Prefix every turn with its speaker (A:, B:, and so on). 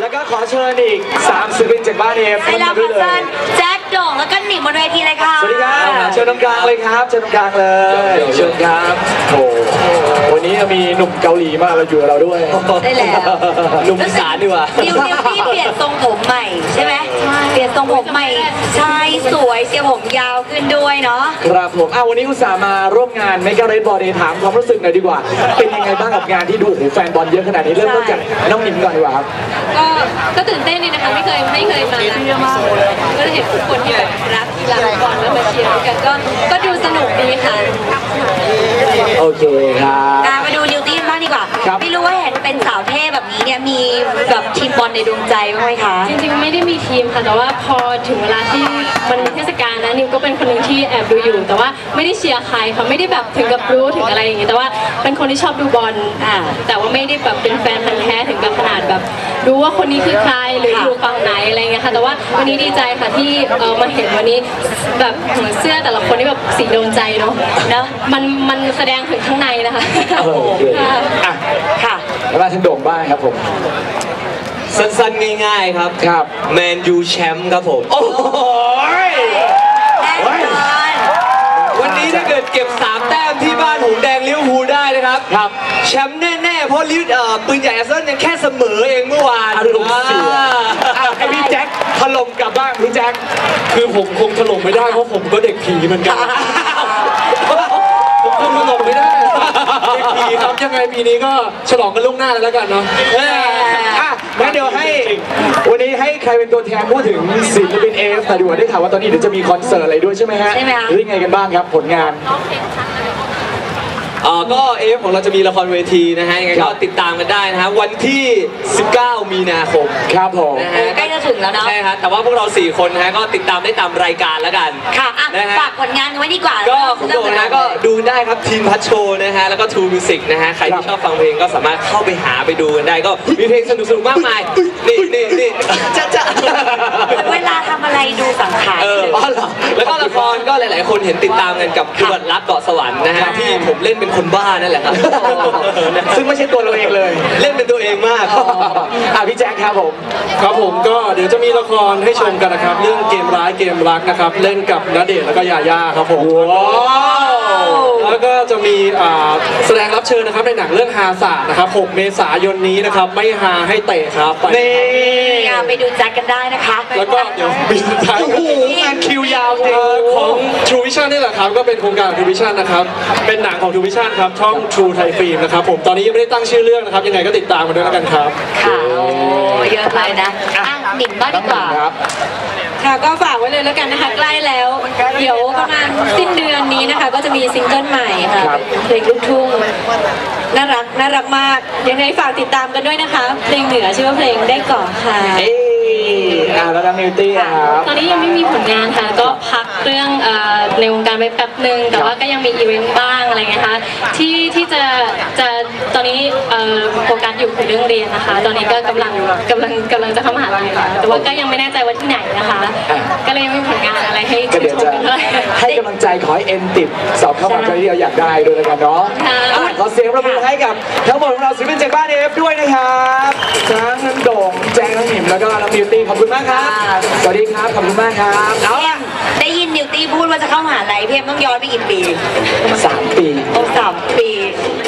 A: แล้วก็ขอเชิญอีก3ศิลปินจากบ้านเอฟขึ้นมาด้วยเลย
B: แจ็คโด่งแล้วก็หนิมบนเวทีเลยค่ะ
A: สวัสดีครับเชิญตรงกลางเลยครับเชิญตรงกลางเลยเชิญครับโอ้วันนี้มีหนุ่มเกาหลีมาอยู่กับเราด้วย
B: ได้แล้ว
A: หนุ่มอีสานดีกว่า
B: นิวที่เปลี่ยนทรงผมใหม่ใช่ไหมเปลี่ยนทรงผมใหม่ใช่สวยเสียผมยาวขึ้นด้วยเนาะ
A: ครับผมวันนี้อุตส่าห์มาร่วมงานเมกะเรดบอลถามความรู้สึกหน่อยดีกว่าเป็นยังไงบ้างกับงานที่ดูแฟนบอลเยอะขนาดนี้เริ่มต้นจากน้องหนิมก่อนดีกว่าครับ
C: ก็ตื่นเต้นดีนะคะไม่เคยมาก็เห็นทุกคนที่แบบรักกีฬาบอลแล้วมาเชียร์กันก็ดูสนุกดีค่ะ
A: โอเคครับ
B: มาดูนิวตี้บ้างดีกว่าไม่รู้ว่าเห็นเป็นสาวเท่แบบนี้เนี่ยมีแบบทีมบอลในดวงใจบ้างไหมคะ
C: จริงๆไม่ได้มีทีมค่ะแต่ว่าพอถึงเวลาที่มันเทศกาลนะนิวก็เป็นคนหนึ่งที่แอบดูอยู่แต่ว่าไม่ได้เชียร์ใครค่ะไม่ได้แบบถึงกับรู้ถึงอะไรอย่างงี้แต่ว่าเป็นคนที่ชอบดูบอลแต่ว่าไม่ได้แบบเป็นแฟนพันธุ์แท้ถึงกับขนาดแบบรู้ว่าคนนี้คือใครหรืออยู่ฝั่งไหนอะไรเงี้ยค่ะแต่ว่าวันนี้ดีใจค่ะที่มาเห็นวันนี้แบบเสื้อแต่ละคนนี่แบบสีโดนใจเนาะมันแสดงถึงข้างในนะคะ
A: ค่ะแล้วมาถึงโด่งบ้างครับผม
D: สั้นๆง่ายๆครับแมนยูแชมป์ครับผม
A: โอ้โห
D: วันนี้ถ้าเกิดเก็บ3 แต้มที่บ้านหงแดงลิเวอร์พูลได้นะครับแชมป์แน่ๆเพราะปืนใหญ่อาร์เซนอลยังแค่เสมอเองเมื่อวาน
A: ให้พี่แจ็คถล่มกลับบ้างพี่แจ็ค
E: คือผมคงถล่มไม่ได้เพราะผมก็เด็กผีเหมือนกันผมคงถล่มไม่ได้เด็กผีครับยังไงปีนี้ก็ฉลองกันล่วงหน้าแล้วกันเนาะ
A: งั้นเดี๋ยวให้วันนี้ให้ใครเป็นตัวแทนพูดถึงศิลปินเอฟแต่ดูได้ข่าวว่าตอนนี้เดี๋ยวจะมีคอนเสิร์ตอะไรด้วยใช่ไหมฮะหรือยังไงกันบ้างครับผลงาน
D: ก็เอฟของเราจะมีละครเวทีนะฮะยังไงก็ติดตามกันได้นะฮะวันที่19 มีนาคม
A: ครับผม
B: นะฮะใกล้จะถึงแล้วเนาะ
D: ใช่ครับแต่ว่าพวกเรา4 คนนะฮะก็ติดตามได้ตามรายการแล้วกัน
B: ค่ะฝากผลงานไว้ดีกว่า
D: ก็คุณโดนะก็ดูได้ครับทีมพัชโชนะฮะแล้วก็ทูมิวสิกนะฮะใครที่ชอบฟังเพลงก็สามารถเข้าไปหาไปดูกันได้ก็มีเพลงสนุกๆมากมายนี่จะ
B: เวลาทำอะไรดูสังขาร
D: แล้วก็ละครก็หลายๆคนเห็นติดตามกันกับขวดรักเกาะสวรรค์นะฮะที่ผมเล่นเป็นคนบ้านั่นแหละครับ
A: ซึ่งไม่ใช่ตัวเราเองเลย
D: เล่นเป็นตัวเองมาก
A: พี่แจ็คครับผม
E: ก็เดี๋ยวจะมีละครให้ชมกันนะครับเรื่องเกมร้ายเกมรักนะครับเล่นกับณเดชน์แล้วก็ยาย่าครับผมแล้วก็จะมีแสดงรับเชิญนะครับในหนังเรื่องฮาศาสตร์นะครับ6 เมษายนนี้นะครับไม่ฮาให้เตะครับ
B: ไปดูแจ็คกันได้นะคะ
E: แล้วก็เดี๋ยวปีสุดท้าย
A: งานคิวยาวจริง
E: ของ True Vision นี่แหละครับก็เป็นโครงการ True Vision นะครับเป็นหนังของ True Vision ครับช่อง True Thai Film นะครับผมตอนนี้ยังไม่ได้ตั้งชื่อเรื่องนะครับยังไงก็ติดตามกันด้วยแล้วกันครับ
B: ค่ะเยอะเลยนะหนิมบ้างดีกว่า
C: ค่ะก็ฝากไว้เลยแล้วกันนะคะใกล้แล้วเดี๋ยวประมาณสิ้นเดือนนี้นะคะก็จะมีซิงเกิลใหม่ค่ะเพลงลูกทุ่งน่ารักมากยังไงฝากติดตามกันด้วยนะคะเพลงเหนือชื่อว่าเพลงได้ก่อนค่ะ
A: แล้วน้องนิวตี้ครับ
C: ตอนนี้ยังไม่มีผลงานค่ะก็พักเรื่องในวงการไปแป๊บนึงแต่ว่าก็ยังมีอีเวนต์บ้างอะไรเงี้ยค่ะที่จะตอนนี้โฟกัสอยู่คือเรื่องเรียนนะคะตอนนี้ก็กำลังจะเข้ามหาลัยค่ะแต่ว่าก็ยังไม่แน่ใจว่าที่ไหนนะคะก็เลยยังไม่มีผลงานอะไรให้ชมกันเลย
A: ให้กำลังใจขอให้เอ็นติดสอบเข้ามหาวิทยาลัยที่เราอยากได้ด้วยกันเนาะขอเสียงปรบมือให้กับทั้งหมดของเราศิลปินจากบ้านเอฟด้วยนะครับทั้งโด่งแจ้งน้องหนิมแล้วก็น้องนิวตี้ขอบคุณมากครับสวัสดีครับขอบคุณมากครับ
B: ได้ยินนิวตี้พูดว่าจะเข้ามหาลัยเพียงต้องย้อนไปกี่ปี
A: 3 ปี
B: 3 ปี